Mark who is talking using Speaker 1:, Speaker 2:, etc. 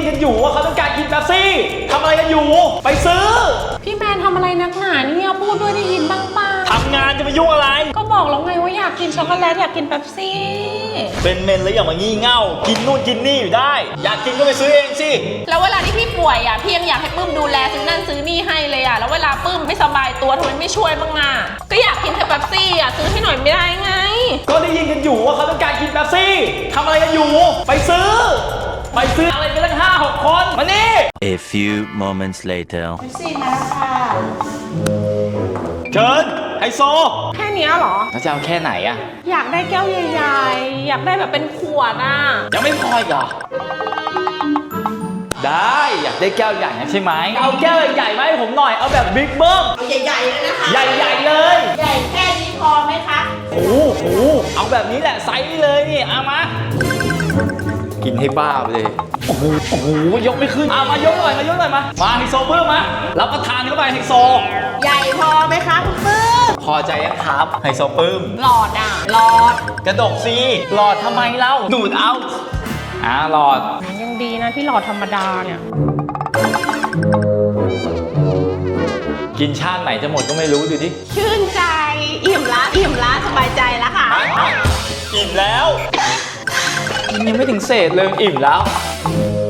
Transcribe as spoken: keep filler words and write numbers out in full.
Speaker 1: กันอยู่ว่าเขาต้องการกินเป๊ปซี่ทำอะไรกันอยู่ไปซื้อ
Speaker 2: พี่แมนทำอะไรนักหนาเนี่ยพูดด้วยได้ยินบ้างป่ะ
Speaker 1: ทำงานจะไปยุ่งอะไร
Speaker 2: ก็บอกแล้วไงว่าอยากกินช็อกโกแลตอยากกินเป๊ปซี่
Speaker 1: เป็นเมนแล้วอย่ามางี่เง่ากินนู่นกินนี่อยู่ได้อยากกินก็ไปซื้อเองสิ
Speaker 2: แล้วเวลาที่พี่ป่วยอ่ะพี่ยังอยากให้ปื้มดูแลซื้อนั่นซื้อนี่ให้เลยอ่ะแล้วเวลาปื้มไม่สบายตัวทำไมไม่ช่วยบ้างอ่ะก็อยากกินแต่เป๊ปซี่อ่ะซื้อให้หน่อยไม่ได้ไง
Speaker 1: ก็ได้ยินกันอยู่ว่าเขาต้องการกินเป๊ปซี่ทำอะไรกันอยู่ไปซื้อไปซื้ออะไรกันตั้งห้าหกคนมานี่
Speaker 3: A few moments later
Speaker 2: เป๊ปซี่มาแล้วค่ะ
Speaker 1: เชิญไฮโซ
Speaker 2: แค่นี้เหรอ
Speaker 1: แล้วจะเอาแค่ไหนอะ
Speaker 2: อยากได้แก้วใหญ่ๆอยากได้แบบเป็นขวดอ่ะ
Speaker 1: ยังไม่พออีกเหรอได้อยากได้แก้วใหญ่นะใช่ไหมเอาแก้วใหญ่ๆมาให้ผมหน่อยเอาแบบบิ๊กเบิ้ม
Speaker 2: ใหญ่ๆเลยนะคะ
Speaker 1: ใหญ่ๆเลย
Speaker 2: ใหญ่แค่นี้พอไหมคะ
Speaker 1: โอ้โหเอาแบบนี้แหละไซส์นี้เลยนี่เอามากินให้บ้าไปเลยโอ้โหโอ้โหยกไม่ขึ้นเอามายกหน่อยมายกหน่อยมามาไฮโซเบิ้มมารับประทานเข้าไปไฮโซ
Speaker 2: ใหญ่พอไหมคะคุณปื้ม
Speaker 1: พอใจยังครับไฮโซปื้ม
Speaker 2: หลอดอ่ะหลอด
Speaker 1: กระดกซีหลอดทำไมเล่าดูดเอาอ่าหลอด
Speaker 2: ยังดีนะที่หลอดธรรมดาเนี่ย
Speaker 1: กินชาติไหนจะหมดก็ไม่รู้ดูดิ
Speaker 2: ชื่นใจอิ่มละอิ่มละสบายใจแล้วค่ะ
Speaker 1: อิ่มแล้วกินยังไม่ถึงเศษเลยอิ่มแล้ว